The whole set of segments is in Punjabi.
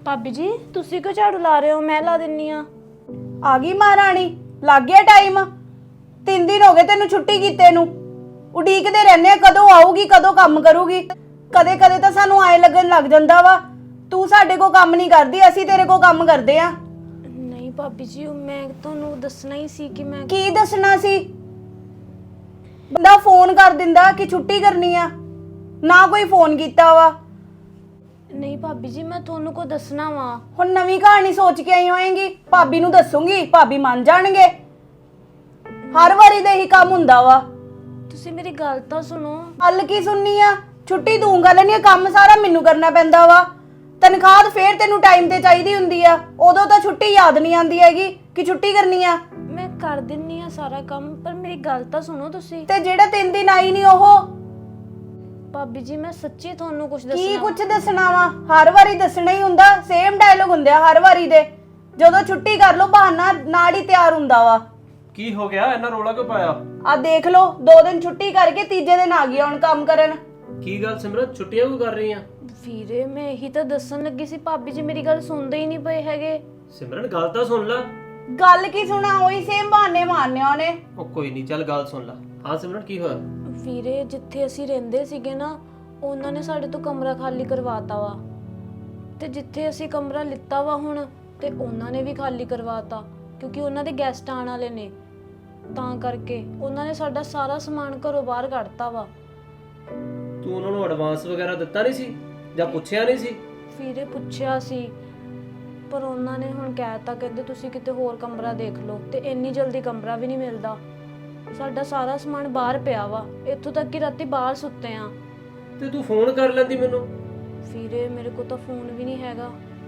ਭਾਬੀ ਜੀ ਤੁਸੀਂ ਕਿਉਂ ਝਾੜੂ ਲਾ ਰਹੇ ਹੋ? ਮੈਂ ਲਾ ਦਿੰਨੀ ਆ। ਆ ਗਈ ਮਹਾਰਾਣੀ, ਲੱਗ ਗਿਆ ਟਾਈਮ। 3 ਦਿਨ ਹੋ ਗਏ ਤੈਨੂੰ ਛੁੱਟੀ ਕੀਤੇ ਨੂੰ। ਉਡੀਕਦੇ ਰਹਿੰਦੇ ਆ ਕਦੋਂ ਆਊਗੀ, ਕਦੋਂ ਕੰਮ ਕਰੂਗੀ। ਕਦੇ ਕਦੇ ਤਾਂ ਸਾਨੂੰ ਆਏ ਲੱਗਣ ਲੱਗ ਜਾਂਦਾ ਵਾ ਤੂੰ ਸਾਡੇ ਕੋਲ ਕੰਮ ਨਹੀਂ ਕਰਦੀ, ਅਸੀਂ ਤੇਰੇ ਕੋਲ ਕੰਮ ਕਰਦੇ ਆ। ਨਹੀਂ ਭਾਬੀ ਜੀ ਮੈਂ ਤੁਹਾਨੂੰ ਦੱਸਣਾ ਹੀ ਸੀ ਕਿ ਮੈਂ ਕੀ ਦੱਸਣਾ ਸੀ? ਬੰਦਾ ਫੋਨ ਕਰ ਦਿੰਦਾ ਕਿ ਛੁੱਟੀ ਕਰਨੀ ਆ, ਨਾ ਕੋਈ ਫੋਨ ਕੀਤਾ ਵਾ। ਨਹੀਂ ਭਾਬੀ ਜੀ ਮੈਂ ਤੁਹਾਨੂੰ ਕੋ ਦੱਸਣਾ ਵਾ। ਹੁਣ ਨਵੀਂ ਕਹਾਣੀ ਸੋਚ ਕੇ ਆਈ ਹੋਏਗੀ, ਭਾਬੀ ਨੂੰ ਦੱਸੂਗੀ, ਭਾਬੀ ਮੰਨ ਜਾਣਗੇ। ਹਰ ਵਾਰੀ ਦਾ ਇਹੀ ਕੰਮ ਹੁੰਦਾ ਵਾ। ਤੁਸੀਂ ਮੇਰੀ ਗੱਲ ਤਾਂ ਸੁਣੋ। ਹੱਲ ਕੀ ਸੁਣਨੀ ਆ? ਛੁੱਟੀ ਦੂੰਗਾ ਲੈਣੀ ਆ, ਕੰਮ ਸਾਰਾ ਮੈਨੂੰ ਕਰਨਾ ਪੈਂਦਾ ਵਾ। ਤਨਖਾਹ ਫੇਰ ਤੈਨੂੰ ਟਾਈਮ ਤੇ ਚਾਹੀਦੀ ਹੁੰਦੀ ਆ, ਉਦੋਂ ਤਾਂ ਛੁੱਟੀ ਯਾਦ ਨਹੀਂ ਆਉਂਦੀ ਹੈਗੀ ਕਿ ਛੁੱਟੀ ਕਰਨੀ ਆ। ਮੈਂ ਕਰ ਦਿੰਨੀ ਆ ਸਾਰਾ ਕੰਮ, ਪਰ ਮੇਰੀ ਗੱਲ ਤਾਂ ਸੁਣੋ ਤੁਸੀਂ। ਤੇ ਜਿਹੜਾ 3 ਦਿਨ ਆਈ ਨਹੀਂ ਉਹ ਭਾਬੀ ਜੀ ਮੈਂ ਸੱਚੀ ਤੁਹਾਨੂੰ ਕੁਝ ਕੀ ਦੱਸਣਾ। ਕੁਝ ਦੱਸਣਾ ਵਾ? ਹਰ ਵਾਰੀ ਦੱਸਣਾ ਹੀ ਹੁੰਦਾ, ਸੇਮ ਡਾਇਲੋਗ ਹੁੰਦੇ ਆ ਹਰ ਵਾਰੀ ਦੇ। ਜਦੋਂ ਛੁੱਟੀ ਕਰ ਲੋ ਬਹਾਨਾ ਨਾਲ ਹੀ ਤਿਆਰ ਹੁੰਦਾ ਵਾ। ਕੀ ਹੋ ਗਿਆ? ਇੰਨਾ ਰੋਲਾ ਕਿਉਂ ਪਾਇਆ? ਆ ਦੇਖ ਲੋ, 2 ਦਿਨ ਛੁੱਟੀ ਕਰਕੇ ਤੀਜੇ ਦਿਨ ਆ ਗਈ ਹੁਣ ਕੰਮ ਕਰਨ। ਕੀ ਗੱਲ ਸਿਮਰਨ, ਛੁੱਟੀਆਂ ਕਿਉਂ ਕਰ ਰਹੀ ਆ? ਵੀਰੇ ਮੈਂ ਇਹੀ ਤਾਂ ਦੱਸਣ ਲੱਗੀ ਸੀ, ਭਾਬੀ ਜੀ ਮੇਰੀ ਗੱਲ ਸੁਣਦੇ ਹੀ ਨਹੀਂ ਪਏ ਹੈਗੇ। ਸਿਮਰਨ ਗੱਲ ਤਾਂ ਸੁਣ ਲੈ। ਗੱਲ ਕੀ ਸੁਣਾ? ਉਹੀ ਸੇਮ ਬਹਾਨੇ ਮਾਰਨੇ ਉਹਨੇ। ਉਹ ਕੋਈ ਨਹੀਂ, ਚੱਲ ਗੱਲ ਸੁਣ ਲੈ। ਹਾਂ ਸਿਮਰਨ ਕੀ ਹੋਇਆ? ਵੀਰੇ ਜਿੱਥੇ ਅਸੀਂ ਰਹਿੰਦੇ ਸੀਗੇ ਨਾ, ਉਹਨਾਂ ਨੇ ਸਾਡੇ ਤੋਂ ਕਮਰਾ ਖਾਲੀ ਕਰਵਾਤਾ ਵਾ, ਤੇ ਜਿੱਥੇ ਅਸੀਂ ਕਮਰਾ ਲਿੱਤਾ ਵਾ ਹੁਣ, ਤੇ ਉਹਨਾਂ ਨੇ ਵੀ ਖਾਲੀ ਕਰਵਾਤਾ ਕਿਉਂਕਿ ਉਹਨਾਂ ਦੇ ਗੈਸਟ ਆਉਣ ਵਾਲੇ ਨੇ। ਤਾਂ ਕਰਕੇ ਉਹਨਾਂ ਨੇ ਸਾਡਾ ਸਾਰਾ ਸਮਾਨ ਘਰੋਂ ਬਾਹਰ ਕੱਢਤਾ ਵਾ। ਤੂੰ ਉਹਨਾਂ ਨੂੰ ਐਡਵਾਂਸ ਵਗੈਰਾ ਦਿੱਤਾ ਨਹੀਂ ਸੀ ਜਾਂ ਪੁੱਛਿਆ ਨਹੀਂ ਸੀ? ਵੀਰੇ ਪੁੱਛਿਆ ਸੀ, ਪਰ ਉਹਨਾਂ ਨੇ ਹੁਣ ਕਹਿਤਾ, ਕਹਿੰਦੇ ਤੁਸੀਂ ਕਿਤੇ ਹੋਰ ਕਮਰਾ ਦੇਖ ਲਓ। ਤੇ ਇੰਨੀ ਜਲਦੀ ਕਮਰਾ ਵੀ ਨਹੀਂ ਮਿਲਦਾ। ਸਾਡਾ ਸਾਰਾ ਸਮਾਨ ਬਾਹਰ ਪਿਆ ਵਾ, ਇੱਥੋਂ ਤੱਕ ਕਿ ਰਾਤੀ ਬਾਹਰ ਸੁੱਤੇ ਆ। ਤੇ ਤੂੰ ਫੋਨ ਕਰ ਲੈਂਦੀ ਮੈਨੂੰ। ਵੀਰੇ ਮੇਰੇ ਕੋਲ ਤਾਂ ਫੋਨ ਵੀ ਨਹੀਂ ਹੈਗਾ।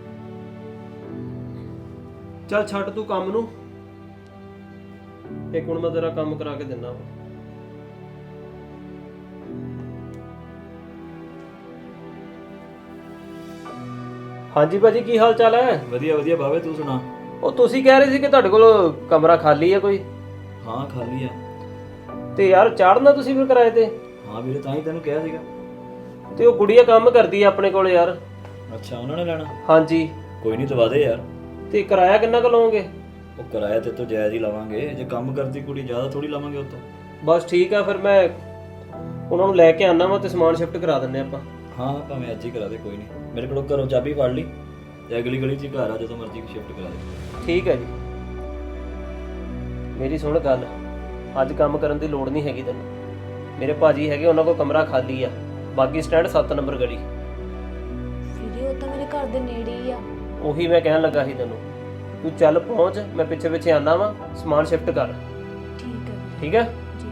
ਚੱਲ ਛੱਡ ਤੂੰ ਕੰਮ ਨੂੰ, ਇੱਕ ਹੁਣ ਮੈਂ ਤੇਰਾ ਕੰਮ ਕਰਾ ਕੇ ਦਿੰਦਾ ਵਾ। ਹਾਂਜੀ ਭਾਜੀ ਕੀ ਹਾਲ ਚਾਲ ਹੈ? ਵਧੀਆ ਵਧੀਆ ਬਾਵੇ, ਤੂੰ ਸੁਣਾ। ਉਹ ਤੁਸੀਂ ਕਹਿ ਰਹੇ ਸੀ ਕਿ ਤੁਹਾਡੇ ਕੋਲ ਕਮਰਾ ਖਾਲੀ ਹੈ ਕੋਈ? ਹਾਂ ਖਾਲੀ ਆ। ਤੇ ਯਾਰ ਚਾੜਨਾ ਤੁਸੀਂ ਫਿਰ ਕਿਰਾਏ ਤੇ? ਹਾਂ ਵੀਰੇ, ਤਾਂ ਹੀ ਤੈਨੂੰ ਕਿਹਾ ਸੀਗਾ। ਤੇ ਉਹ ਗੁੜੀਆ ਕੰਮ ਕਰਦੀ ਹੈ ਆਪਣੇ ਕੋਲ ਯਾਰ। ਅੱਛਾ, ਉਹਨਾਂ ਨੇ ਲੈਣਾ? ਹਾਂਜੀ। ਕੋਈ ਨਹੀਂ, ਦਵਾ ਦੇ ਯਾਰ। ਤੇ ਕਿਰਾਇਆ ਕਿੰਨਾ ਕੁ ਲਓਗੇ? ਉਹ ਕਿਰਾਇਆ ਤੇ ਤੋਂ ਜਾਇਜ਼ ਹੀ ਲਾਵਾਂਗੇ, ਜੇ ਕੰਮ ਕਰਦੀ ਕੁੜੀ ਜ਼ਿਆਦਾ ਥੋੜੀ ਲਾਵਾਂਗੇ ਉਹ ਤੋਂ। ਬਸ ਠੀਕ ਆ, ਫਿਰ ਮੈਂ ਉਹਨਾਂ ਨੂੰ ਲੈ ਕੇ ਆਣਾ ਵਾ ਤੇ ਸਮਾਨ ਸ਼ਿਫਟ ਕਰਾ ਦਿੰਨੇ ਆਪਾਂ। ਹਾਂ ਭਾਵੇਂ ਅੱਜ ਹੀ ਕਰਾ ਦੇ, ਕੋਈ ਨਹੀਂ। ਮੇਰੇ ਕੋਲੋਂ ਘਰੋਂ ਚਾਬੀ ਫੜ ਲਈ ਤੇ ਅਗਲੀ ਗਲੀ 'ਚ ਘਰ ਆ, ਜਦੋਂ ਮਰਜ਼ੀ ਸ਼ਿਫਟ ਕਰਾ ਦੇ। ਠੀਕ ਹੈ ਜੀ। ਮੇਰੀ ਸੁਣ ਗੱਲ, ਅੱਜ ਕੰਮ ਕਰਨ ਦੀ ਲੋੜ ਨਹੀਂ ਹੈਗੀ ਤੈਨੂੰ। ਮੇਰੇ ਭਾਜੀ ਹੈਗੇ, ਉਹਨਾਂ ਕੋਲ ਕਮਰਾ ਖਾਲੀ ਆ, ਬਾਗੀ ਸਟੈਂਡ 7 ਨੰਬਰ ਗਲੀ। ਵੀਰੇ ਉਹ ਤਾਂ ਮੇਰੇ ਘਰ ਦੇ ਨੇੜੇ ਹੀ ਆ। ਉਹੀ ਮੈਂ ਕਹਿਣ ਲੱਗਾ ਸੀ ਤੈਨੂੰ, ਤੂੰ ਚੱਲ ਪਹੁੰਚ, ਮੈਂ ਪਿੱਛੇ ਪਿੱਛੇ ਆਣਾ ਵਾ, ਸਮਾਨ ਸ਼ਿਫਟ ਕਰ। ਠੀਕ ਹੈ ਠੀਕ ਹੈ ਜੀ।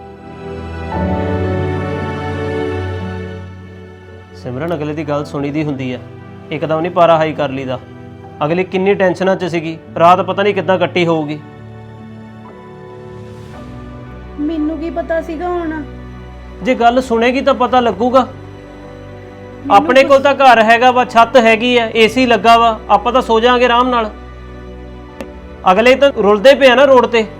ਸਿਮਰਨ, ਅਗਲੇ ਦੀ ਗੱਲ ਸੁਣੀ ਦੀ ਹੁੰਦੀ ਹੈ, ਇੱਕਦਮ ਨਹੀਂ ਪਾਰਾ ਹਾਈ ਕਰ ਲਈਦਾ। ਅਗਲੀ ਕਿੰਨੀ ਟੈਨਸ਼ਨਾਂ 'ਚ ਸੀਗੀ, ਰਾਤ ਪਤਾ ਨਹੀਂ ਕਿੱਦਾਂ ਕੱਟੀ ਹੋਊਗੀ। ਮੈਨੂੰ ਕੀ ਪਤਾ ਸੀਗਾ ਹੁਣ? ਜੇ ਗੱਲ ਸੁਣੇਗੀ ਤਾਂ ਪਤਾ ਲੱਗੂਗਾ। ਆਪਣੇ ਕੋਲ ਤਾਂ ਘਰ ਹੈਗਾ ਵਾ, ਛੱਤ ਹੈਗੀ ਆ, ਏਸੀ ਲੱਗਾ ਵਾ, ਆਪਾਂ ਤਾਂ ਸੋ ਜਾਾਂਗੇ ਆਰਾਮ ਨਾਲ। ਅਗਲੇ ਤਾਂ ਰੁਲਦੇ ਪਏ ਆ ਨਾ ਰੋਡ ਤੇ,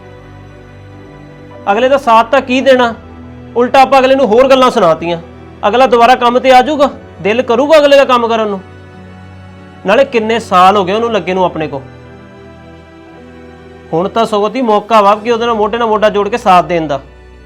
ਅਗਲੇ ਦਾ ਸਾਥ ਤਾਂ ਕੀ ਦੇਣਾ, ਉਲਟਾ ਆਪਾਂ ਅਗਲੇ ਨੂੰ ਹੋਰ ਗੱਲਾਂ ਸੁਣਾਤੀਆਂ। ਅਗਲਾ ਦੁਬਾਰਾ ਕੰਮ ਤੇ ਆ ਜਾਊਗਾ? ਦਿਲ ਕਰੂਗਾ ਅਗਲੇ ਦਾ ਕੰਮ ਕਰਨ ਨੂੰ? ਨਾਲੇ ਕਿੰਨੇ ਸਾਲ ਹੋ ਗਏ ਉਹਨੂੰ ਲੱਗੇ ਨੂੰ ਆਪਣੇ ਕੋ। ਹੁਣ ਤਾਂ ਸਗੋਂ ਦੀ ਮੌਕਾ ਵਾ ਕਿ ਉਹਦੇ ਨਾਲ ਮੋਢਾ ਜੋੜ ਕੇ ਸਾਥ ਦੇਣ ਦਾ।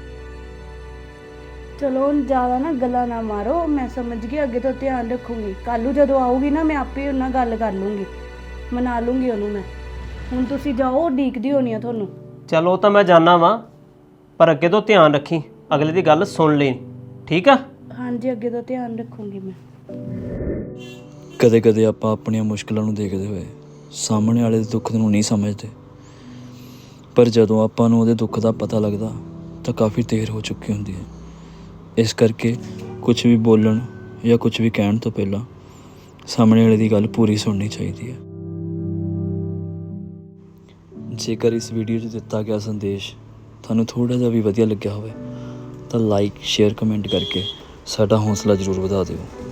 ਚਲੋ ਹੁਣ ਜ਼ਿਆਦਾ ਨਾ ਗੱਲਾਂ ਨਾ ਮਾਰੋ, ਮੈਂ ਸਮਝ ਗਈ, ਅੱਗੇ ਤੋਂ ਧਿਆਨ ਰੱਖੂੰਗੀ। ਕੱਲ ਨੂੰ ਜਦੋਂ ਆਊਗੀ ਨਾ, ਮੈਂ ਆਪੇ ਉਹਨਾਂ ਨਾਲ ਗੱਲ ਕਰ ਲੂੰਗੀ, ਮਨਾ ਲੂੰਗੀ ਉਹਨੂੰ ਮੈਂ। ਹੁਣ ਤੁਸੀਂ ਜਾਓ, ਉਡੀਕਦੀ ਹੋਣੀ ਆ ਤੁਹਾਨੂੰ। ਚਲੋ ਉਹ ਤਾਂ ਮੈਂ ਜਾਣਾ ਵਾਂ, ਪਰ ਅੱਗੇ ਤੋਂ ਧਿਆਨ ਰੱਖੀ, ਅਗਲੇ ਦੀ ਗੱਲ ਸੁਣ ਲਈ, ਠੀਕ ਆ? ਹਾਂਜੀ, ਅੱਗੇ ਤੋਂ ਧਿਆਨ ਰੱਖੂੰਗੀ ਮੈਂ। ਕਦੇ ਕਦੇ ਆਪਾਂ ਆਪਣੀਆਂ ਮੁਸ਼ਕਲਾਂ ਨੂੰ ਦੇਖਦੇ ਹੋਏ ਸਾਹਮਣੇ ਵਾਲੇ ਦੇ ਦੁੱਖ ਨੂੰ ਨਹੀਂ ਸਮਝਦੇ, ਪਰ ਜਦੋਂ ਆਪਾਂ ਨੂੰ ਉਹਦੇ ਦੁੱਖ ਦਾ ਪਤਾ ਲੱਗਦਾ ਤਾਂ ਕਾਫੀ ਦੇਰ ਹੋ ਚੁੱਕੀ ਹੁੰਦੀ ਹੈ। ਇਸ ਕਰਕੇ ਕੁਝ ਵੀ ਬੋਲਣ ਜਾਂ ਕੁਝ ਵੀ ਕਹਿਣ ਤੋਂ ਪਹਿਲਾਂ ਸਾਹਮਣੇ ਵਾਲੇ ਦੀ ਗੱਲ ਪੂਰੀ ਸੁਣਨੀ ਚਾਹੀਦੀ ਹੈ। ਜੇਕਰ ਇਸ ਵੀਡੀਓ 'ਚ ਦਿੱਤਾ ਗਿਆ ਸੰਦੇਸ਼ ਤੁਹਾਨੂੰ ਥੋੜ੍ਹਾ ਜਿਹਾ ਵੀ ਵਧੀਆ ਲੱਗਿਆ ਹੋਵੇ ਤਾਂ ਲਾਈਕ, ਸ਼ੇਅਰ, ਕਮੈਂਟ ਕਰਕੇ ਸਾਡਾ ਹੌਸਲਾ ਜ਼ਰੂਰ ਵਧਾ ਦਿਓ।